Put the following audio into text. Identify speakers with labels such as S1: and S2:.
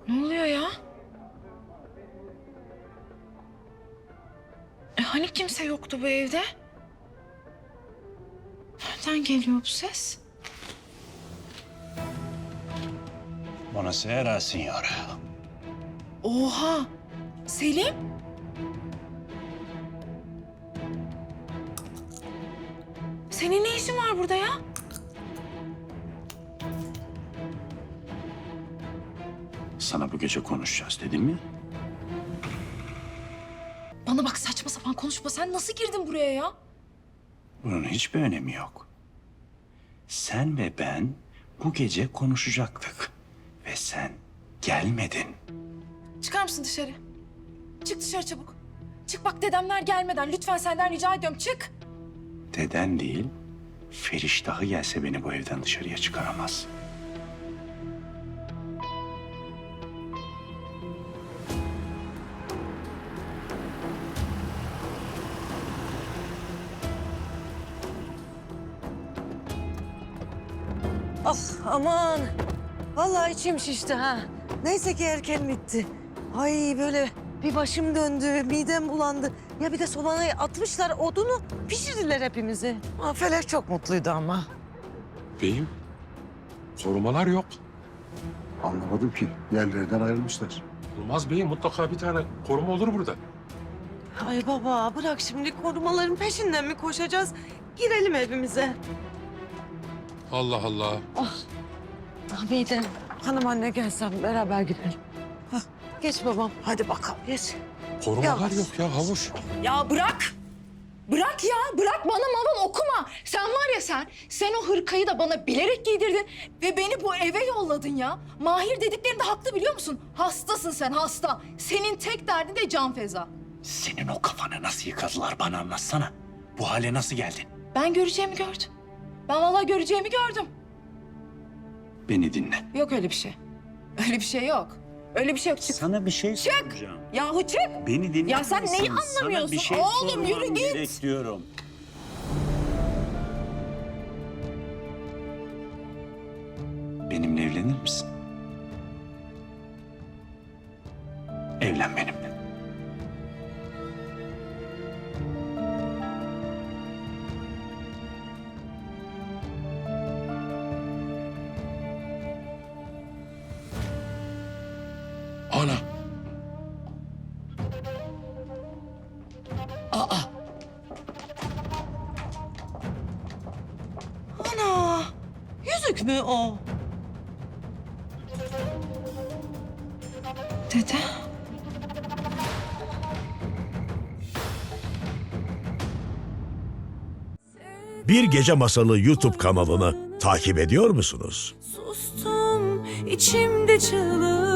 S1: Ne oluyor ya? Hani kimse yoktu bu evde? Nereden geliyor bu ses?
S2: Buonasera, signora.
S1: Oha! Selim? Senin ne işin var burada ya?
S2: Sana bu gece konuşacağız dedim ya.
S1: Bana bak, saçma sapan konuşma. Sen nasıl girdin buraya ya?
S2: Bunun hiçbir önemi yok. Sen ve ben bu gece konuşacaktık. Ve sen gelmedin.
S1: Çıkar mısın dışarı? Çık dışarı çabuk. Çık bak, dedemler gelmeden lütfen senden rica ediyorum, çık.
S2: Deden değil, Feriştah'ı gelse beni bu evden dışarıya çıkaramaz.
S3: Ah aman. Vallahi içim şişti ha. Neyse ki erken bitti. Ay böyle bir başım döndü, midem bulandı. Ya bir de sobaya atmışlar odunu, pişirdiler hepimizi. Ah, Felek çok mutluydu ama.
S4: Beyim, korumalar yok.
S5: Anlamadım ki. Yerlerinden ayrılmışlar.
S4: Olmaz beyim, mutlaka bir tane koruma olur burada.
S3: Ay baba bırak şimdi, korumaların peşinden mi koşacağız? Girelim evimize.
S4: Allah Allah.
S3: Ah midem. Hanım anne gelsen beraber girelim. Hah, geç babam, hadi bakalım geç.
S4: Korumalar
S3: Yavaş.
S4: yok ya Havuç.
S1: Ya bırak. Bırak ya, bırak, bana maval okuma. Sen var ya sen o hırkayı da bana bilerek giydirdin ve beni bu eve yolladın ya. Mahir dediklerinde haklı, biliyor musun? Hastasın sen, hasta. Senin tek derdin de Can Feza.
S2: Senin o kafanı nasıl yıkadılar bana anlatsana. Bu hale nasıl geldin?
S1: Ben göreceğimi gördüm. Ben vallahi göreceğimi gördüm.
S2: Beni dinle.
S1: Yok öyle bir şey. Öyle bir şey yok. Öyle bir şey yok. Çık.
S2: Sana bir şey soracağım.
S1: Yahu çık.
S2: Beni dinle.
S1: Ya sen neyi
S2: misin?
S1: anlamıyorsun?
S2: Sana bir şey
S1: Oğlum, yürü
S2: sormam
S1: git.
S2: gerek diyorum. Benimle evlenir misin? Evlen benimle.
S4: Ana.
S3: Ana, yüzük mü o?
S1: Dede.
S6: Bir Gece Masalı YouTube kanalını takip ediyor musunuz?
S7: Sustum içimde çığlık.